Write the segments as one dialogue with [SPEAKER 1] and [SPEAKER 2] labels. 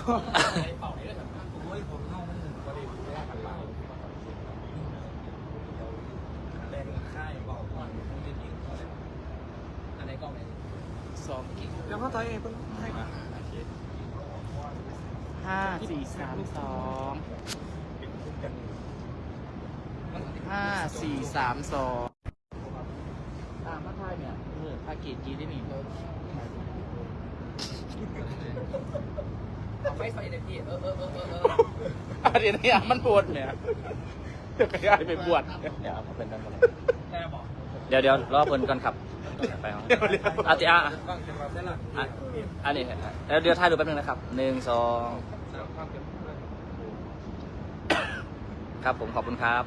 [SPEAKER 1] เป่าไหนเลยโอ้ยผมเข้ามันพอดีไม่ได้กันเป่าแรงค่ายเป่าก่อนต้องเล่นยิงอันไหนกล้องไหน2 กิก
[SPEAKER 2] แล้วก็ต่อยเองเพิ่งให้มา5 4 3 2 5 4 3 2มาทายเนี่ยภาเกตกีได้หนิ
[SPEAKER 1] เอาไฟในพี่เ
[SPEAKER 2] เดี๋ยวนี้มันปวดเนี่ยเดี๋ยวก็ย้ายไปบวชเนี่ยเป็นนั่นเลยเดี๋ยวรอเพิ่นก่อนครับไปเอาอาติอาอันนี้แล้วเดี๋ยวถ่ายรูปแป๊บนึงนะครับ1 2ครับผมขอบคุณครับ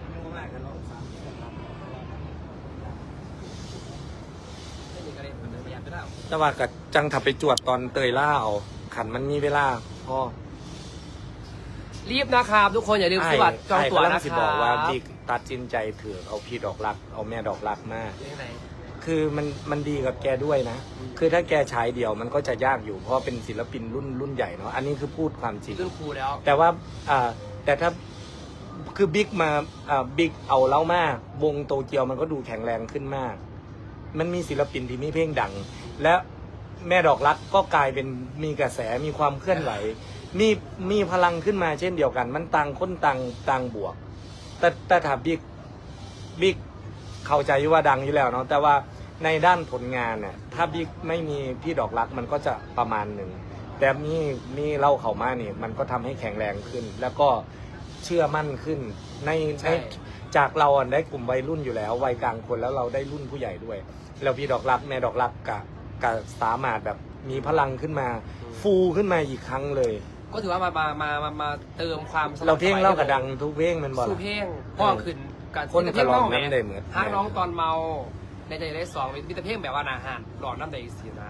[SPEAKER 3] แต่ว่ากับจังถับไปจวดตอนเตยล่าเอาขันมันมีเวลาพ่อ
[SPEAKER 1] รีบนะครับทุกคนอย่าลืมซื้อบัตรจองตั๋วนะค
[SPEAKER 3] สิ
[SPEAKER 1] รับ
[SPEAKER 3] บอกว่าบิ๊กตัดสินใจเถื่อเอาพี่ดอกรักเอาแม่ดอกรักมากคือมันดีกับแกด้วยนะคือถ้าแกฉายเดี่ยวมันก็จะยากอยู่เพราะเป็นศิลปินรุ่นใหญ่เนาะอันนี้คือพูดความจริง
[SPEAKER 1] รุ่นครูแล้ว
[SPEAKER 3] แต่ว่าแต่ถ้าคือบิ๊กมาบิ๊กเอาเล่ามากวงโตเกียวมันก็ดูแข็งแรงขึ้นมากมันมีศิลปินที่มีเพลงดังและแม่ดอกรักก็กลายเป็นมีกระแสมีความเคลื่อนไหวมีพลังขึ้นมาเช่นเดียวกันมันต่างคนต่างบวกแต่ถ้าบิ๊กเข้าใจว่าดังอยู่แล้วเนาะแต่ว่าในด้านผลงานเนี่ยถ้าบิ๊กไม่มีพี่ดอกรักมันก็จะประมาณหนึ่งแต่มีเล่าเข้ามานี่มันก็ทำให้แข็งแรงขึ้นแล้วก็เชื่อมั่นขึ้นในจากเราได้กลุ่มวัยรุ่นอยู่แล้ววัยกลางคนแล้วเราได้รุ่นผู้ใหญ่ด้วยแล้วพี่ดอกรักแม่ดอกรักกับสามารถแบบมีพลังขึ้นมาฟูขึ้นมาอีกครั้งเลย
[SPEAKER 1] ก็ถือว่ามาเติมความ
[SPEAKER 3] เราเพลงเล่ากระดังทุกเพลงมันบอก
[SPEAKER 1] สู้เพลงพ่อขึ้น
[SPEAKER 3] การคนกระลองน้ำได้เหมือน
[SPEAKER 1] ห้างน้องตอนเมาในใจได้2มีแต่เพลงแบบว่าอาหารหลอดน้ำได้สีนะ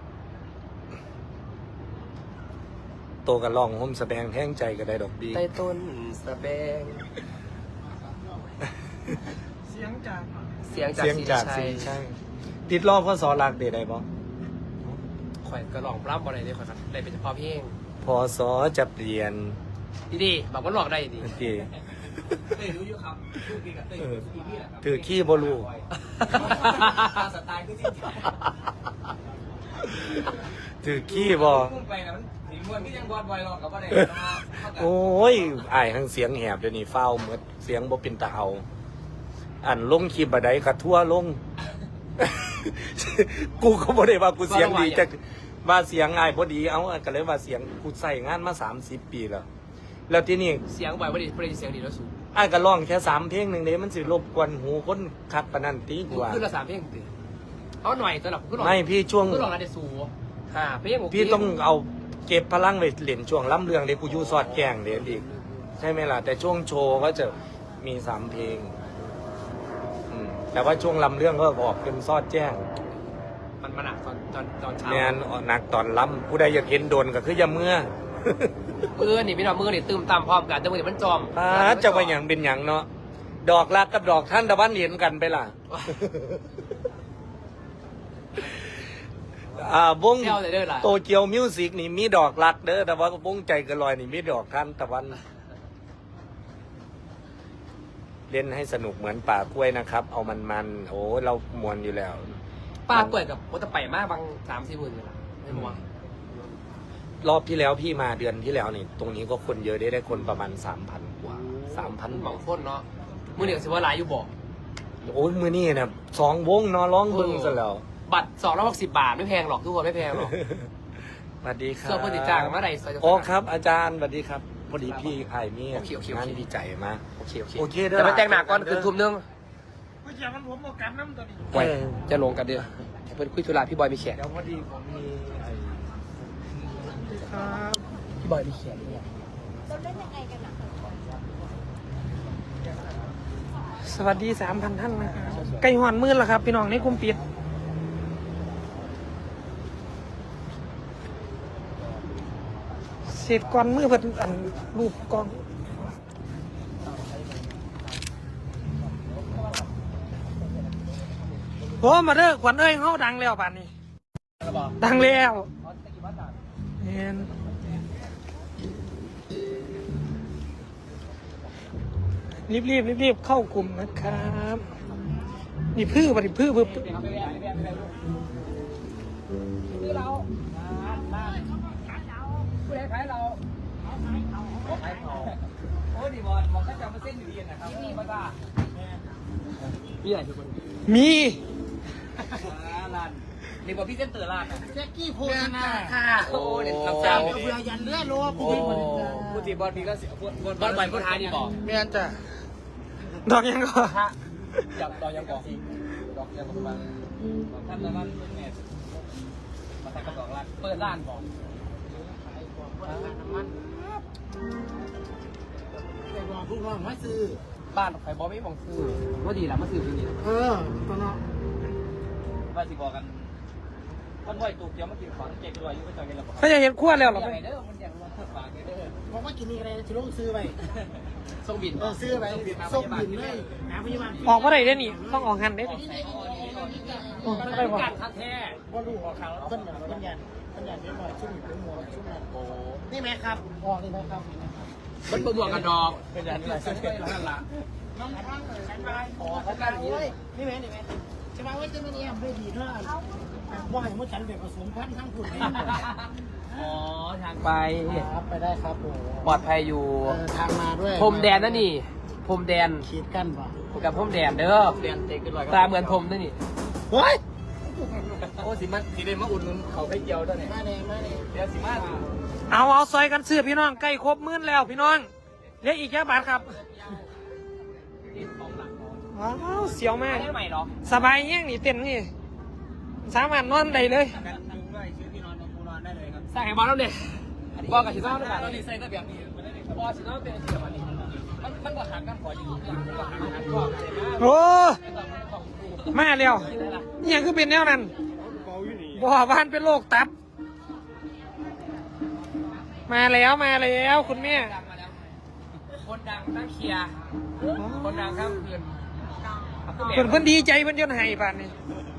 [SPEAKER 3] โตกระลองห่มสแบงแท่งใจก็ได้ดอกดี
[SPEAKER 1] ใต้ต้นสแบง
[SPEAKER 2] เสียงจาก
[SPEAKER 1] สี
[SPEAKER 3] ใช่ติดรอบพ่อสอรักเดได้บ่
[SPEAKER 1] ข่อยกระลองปล้ำอะไรเนี่ยข่อยได้เป็นเฉพาะเพลง
[SPEAKER 3] พอสอจะเปลี่ยน
[SPEAKER 1] ดีบอกว่าหลอกได้ดีรู้อยู่ครับ
[SPEAKER 3] ถือขี้บอลู
[SPEAKER 1] สไตล์คือ
[SPEAKER 3] ถือขี้บอโอ้ยไอ้ทั้งเสียงแหบเดี๋ยวนี้เฝ้าเหมือนเสียงบ่เป็นตาเอาอันลงคลิปบดกระทั่วลงกูก็บ่ได้ว่ากูเสียงดีจะว่าเสียงง่ายพอดีเอาก็เลยว่าเสียงกูใส่งานมา30 ปีแล้วที่นี่
[SPEAKER 1] เสียงบ่อยพอดีเสียงดีแล้วสูง
[SPEAKER 3] ก็ร้องแค่3 เพลงหนึ่งเลยมันสิรบกวนหูคนคักปนันตีกว่า
[SPEAKER 1] ขึ้นละ3 เพลงตื่นเอาหน่อยสำหรับขึ้นหน่อย
[SPEAKER 3] ไม่พี่ช่วง
[SPEAKER 1] ขึ้นหน่อยได้สูงเพลง
[SPEAKER 3] พี่ต้องเอาเก็บพลังไปเล่นช่วงล้ำเรื่องเดี๋ยวกูยูซอดแกงเดี๋ยวอีกใช่ไหมล่ะแต่ช่วงโชว์ก็จะมี3 เพลงแต่ว่าช่วงลำเรื่องก็ออกเป็นซอดแจ้ง
[SPEAKER 1] มันหนักตอนเช้า
[SPEAKER 3] เนี่ยหนักตอนล้ำผู้ใดอยากเห็นโดนก็คืออย่าเมื่อ
[SPEAKER 1] นี่พี่น้องมือนี่ตื่มตามพร้อมกันแต่มือนี่มันจอม
[SPEAKER 3] จะไปอย่างเป็นอย่างเนาะดอกรักกับดอกท่านตะวันเห็นกันไปล่ะวงโตเกียวมิวสิกนี่มีดอกรักเด้อแต่ว่าวงใจกระลอยนี่มีดอกท่านตะวันเล่นให้สนุกเหมือนป่ากล้วยนะครับเอามันโอ้เรามวนอยู่แล้ว
[SPEAKER 1] ป่ากล้วยกับโอตะไปมากบาง3-4 หมื่นเลยไม่มวน
[SPEAKER 3] รอบที่แล้วพี่มาเดือนที่แล้วนี่ตรงนี้ก็คนเยอะได้คนประมาณ 3,000 กว่า 3,000
[SPEAKER 1] บางคนเนาะมือเดียวสิว่าหลายอยู่บอก
[SPEAKER 3] โอ้ยมือนี่นะ2 วงเนาะร้องเบิ้งซะแล้ว
[SPEAKER 1] บัตร260 บาทไม่แพงหรอกทุกคนไม่แพงหรอก
[SPEAKER 3] สวัสดีครับ
[SPEAKER 1] ส่วนปฏิจ้างเมื่อไหร่
[SPEAKER 3] อ๋อครับอาจารย์สวัสดีครับพอดีพี่ไอ้มี่งานดีใจมากโอเค
[SPEAKER 1] แต่มาแต่งหนักก่อนคือทุ่มนึง
[SPEAKER 2] ไม่ใช่มันผมบอกกันน้ำตอนนี้
[SPEAKER 1] จะลงกันเดือเป็นคุยธุระพี่บอยมีแขก
[SPEAKER 3] เดี๋ยวพอดีผมมี
[SPEAKER 1] พี่บอยมีแขกด้วย
[SPEAKER 4] เราเล่นยังไงกันนะ
[SPEAKER 2] สวัสดี 3,000 ท่านนะครับไก่หอนมืดแล้วครับพี่น้องในกลุ่มปิดเสร็จก่อนมือเพิ่นอันรูปกองโอ้มาเด้อขวัญเอ้ยเขาดังแล้วป่านนี้ดังแล้วเห็น
[SPEAKER 5] รีบเข้ากลุ่มนะครับนี่พื้นปฏิพื้น
[SPEAKER 1] คือเราผู้ใดขายเราขายเขาโอ้ดีบอลมองแค่จำมาเส้นอยู่ดีนะครับนี่มาบ้ามีอะไรทุกคน
[SPEAKER 5] มี
[SPEAKER 1] ร้านนี่บอกพี่เส้นเตอร์ร้านแจ็คกี้โพสนาโอ้เด็ดครับ
[SPEAKER 6] เพื่อยันเลือดรัว
[SPEAKER 1] โอ้ผู้ตีบอลพี่ก็เสียบอลใหม่ผู้ท้ายนี่บอก
[SPEAKER 5] เมียนจ้ะดอกยังก็
[SPEAKER 1] จับต่อยังก่อนดอกยังประมาณท่านละร้านเป็นแม่มาทำกระดอกร้านเปิดร้านบอก
[SPEAKER 6] ไปบอกผู้ว่าไม่ซื้อ
[SPEAKER 1] บ้านใครบอกไม่บอกซื้อว่าดีละมาซื้อที่นี่
[SPEAKER 6] ตอนนั้น
[SPEAKER 1] ว่าสิบอกกันมันบ่อยตูเกียวมากินของเจ๊กด้วยอยู่ก็จอยกันแล้ว
[SPEAKER 5] เขาจะเห็นขั้วแล้วหรอ
[SPEAKER 1] อย่างไรเด้อมันอย่างว่าฝากเด้อ
[SPEAKER 6] บอกว่ากินนี่อะไรจะลงซื้อไป
[SPEAKER 1] ส่งบิน
[SPEAKER 6] ซื้อไปส่งบินเลยหาพยาบาล
[SPEAKER 5] ออกมาได้ได้นี่ต้องออกหันได้นี่ไม่ได้บอก
[SPEAKER 1] การทักแท้
[SPEAKER 6] ว่าลูกออกข่าวต้นแบบต้นยันไม่บ่อยชุ่มอยู่เป็นหมวกชุ่มนั้นโอ้นี่ไหมครับออกนี่ไหมครับ
[SPEAKER 1] มันบวกกันดอกเป็นอย่างไรซึ่งนั่นละ
[SPEAKER 6] น้องทางเลยฉันไปอ๋อเขาการเลยนี่ไหมใช่ไหมว่าจะไม่เนี่ยไม่ดีเท่าว่าอย่างว่าฉันแบบผสมพันธุ์ทั้งผุด
[SPEAKER 1] อ๋อทางไป
[SPEAKER 6] ครับไปได้ครับโอ้
[SPEAKER 1] ปลอดภัยอยู่
[SPEAKER 6] ทางมาด้วย
[SPEAKER 1] พรมแดนนั่นนี่พรมแดน
[SPEAKER 6] ขีดกั้นป่ะ
[SPEAKER 1] กับพรมแดนเด้อแดนเตะกันลอยตาเหมือนพรมนั่นนี่
[SPEAKER 6] เฮ้ย
[SPEAKER 1] โอ้สิมันสิเดมาอุ่นเขาไปเกี่ยวด้วยเนี่ย
[SPEAKER 6] มาเลย
[SPEAKER 1] เดี๋ยวสิมา
[SPEAKER 5] เอาซอยกันซื้อพี่น้องใกล้ครบมื้อแล้วพี่น้องเหลืออีกแค่บาทครับว้าวเสียวมาก
[SPEAKER 1] ได้ใหม่หรอ
[SPEAKER 5] สบายแย่งนี่เต้นนี่สามารถนอนได้เลย
[SPEAKER 1] กันดึงด้วยชื่อพี่นอนกูนอนได้เลยครับใส่บอลแล้วเนี่ยบอลกับชิโน่ด้วยกันตอนนี้ใส่ก็แบบนี้บอลชิโน่เป็นแบบนี้มันก็หักกันขออยู่มันก็หักกันก็ใส่มา
[SPEAKER 5] โอ้มาแล้วนี่ยังคือเป็นแนวนั้นบ่บ้านเป็นโรคตับ มาแล้วคุณแม่
[SPEAKER 1] ดังมาแล้วคนดังตั้งเคลียร์คนดังข้ามคืน
[SPEAKER 5] เพิ่นดีใจเพิ่นจนให้ป่านนี้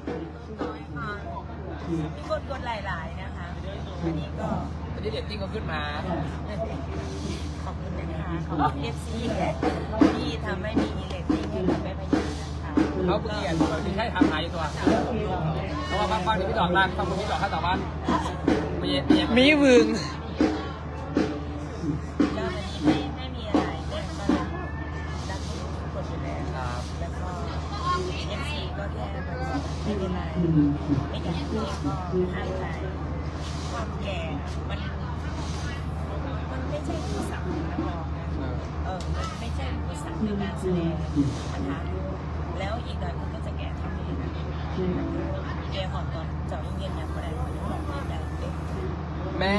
[SPEAKER 4] มีคนกดหลายๆนะคะอันนี้ก็
[SPEAKER 1] วันนี้เด็กติ้งก็ขึ้นมา
[SPEAKER 4] ขอบคุณนะคะขอบคุณ FC ที่ทำให้มีเรตติ้งให้กับแม่พยานะคะ
[SPEAKER 1] เขาเปลี่ยนเราถึงให้ทำหายอยู่ตัวเพราะว่าบางที่พี่ดอกลากบางคนพี่ดอกข้าวต่อบ้าน
[SPEAKER 5] มีวึง
[SPEAKER 4] ก็วันนี้ไม่มีอะไรแม่ก็รักทุกคนอยู่แล้วครับแล้วก็ FC ก็แค่ไม่เป็นไรไม่อยากให้ก็ให้ใจความแก่มันไม่ใช่อุปสรรคนะบอกนะมันไม่ใช่อุปสรรคในการแสดงนะคะแล้วอีกหน่อยมันก็จะแก่ทำเองแก่หอนตอนเจาะเย็นอย่างไรหอนหลอกเล่นได้เด็ก
[SPEAKER 1] แม่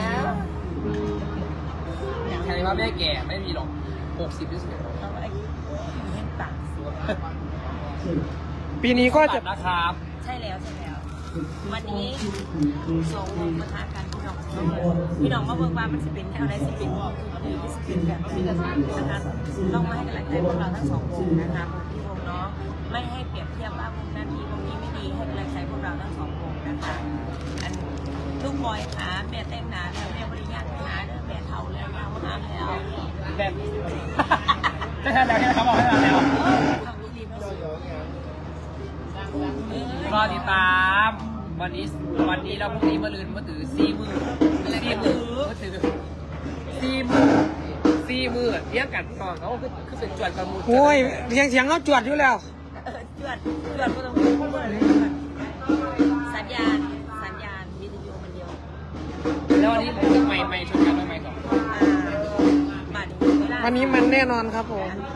[SPEAKER 1] ใครว่าแม่แก่ไม่มีหรอก60ที่สุด
[SPEAKER 4] เขาไอ้เห็นปากสิ
[SPEAKER 5] ปีนี้ก็จะ
[SPEAKER 1] นะครับ
[SPEAKER 4] ใช่แล้ววันนี้ส่งมาท้ากันพี่น้องมาเบิ่งว่ามันจะเป็นอะไรสิเป็นที่สิเป็นแบบนี้นะคะต้องมาให้กำลังใจพวกเราทั้งสองวงนะคะที่วงน้องไม่ให้เปรียบเทียบว่าวงนั้นดีวงนี้ไม่ดีให้กำลังใจพวกเราทั้งสองวงนะคะอันลูกบอยขาแม่เต้นหนาแล้วแม่บริญญาขาแม่เท่าแล้วยาวหางแล้ว
[SPEAKER 1] แบบไม่ใช่แล้วใช่ไหมครับบอกให้เราแล้ว
[SPEAKER 4] ทำดีๆไม่สวย
[SPEAKER 1] รอติดตามวันนี้เราพรุ่งนี้มาลืนมาถือ4 มือมาถือ4 มือเลี้ยงกันก่อนเขาคือเป็นจวนกันมู
[SPEAKER 5] โอ้ยเสียงเขาจวดอยู่แล้ว
[SPEAKER 4] จวดก็ต้องพูดเลยสัญญาณวิทยุมันเดียว
[SPEAKER 1] แล้ววันนี้ไม่ชนกันไม่ก่อน
[SPEAKER 5] วันนี้มันแน่นอนครับผม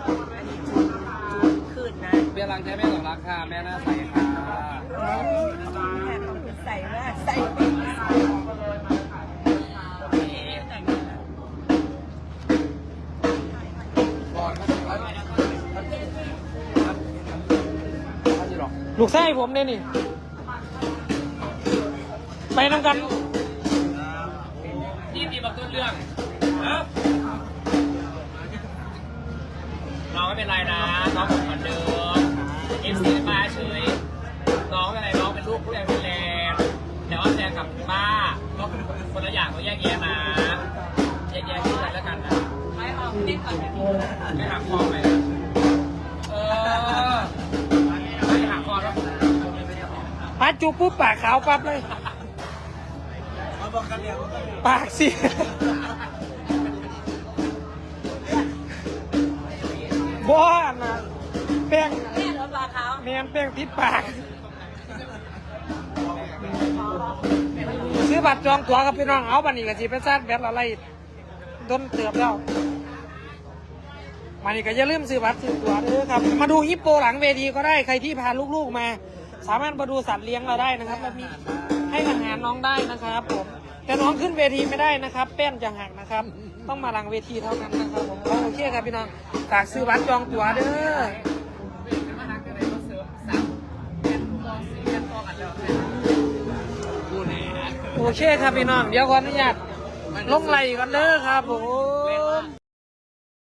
[SPEAKER 4] ขึ้นนะ
[SPEAKER 1] เบี้ยรังแท้แม่ของรักค่ะแม่น่าใส่ค่ะ
[SPEAKER 4] ใส่มากใส่
[SPEAKER 5] ลูกไส้ผมเนี่ยนี่ ไปนำกัน
[SPEAKER 1] นี่มีมาต้นเรื่องน้องไม่เป็นไรนะน้องเหมือนเดิมFC มาเฉยน้องเป็นไรน้องเป็นลูกผู้ใหญ่เป็นแรงแต่ว่าแซงกับป้าก็คือคนละอย่างก็แยกแยะนะแยกแยะที่กันแล้วกันนะไม่เอาเล่นก่อนไม่ทำพอไหม
[SPEAKER 5] ปาจูบปุ๊บปากขาวปั๊บเลย ปากสิบ้านะแป้ง
[SPEAKER 4] แม่โดนปลาขาว
[SPEAKER 5] แมนแป้งติดปาก ซื้อบัตรจองตั๋วกับพี่น้องเอาบันนี้ก็สิไปซาดแบตอะไรต้นเติบแล้วมานี่ก็อย่าลืมซื้อบัตรซื้อตั๋วเด้อครับมาดูฮิปโปหลังเวทีก็ได้ใครที่พาลูกๆมา สามารถมาดูสัตว์เลี้ยงเราได้นะครับแล้วมีให้อาหารน้องได้นะครับผมแต่น้องขึ้นเวทีไม่ได้นะครับแป้นจะหักนะครับ ต้องมาหลังเวทีเท่านั้นนะครับผมโอเคครับพี่น้องฝากซื้อบัตรจองตั๋วเด้อโอเคครับพี่น้องเดี๋ยวขออนุญาตลงไหลก่อนเด้อครับผม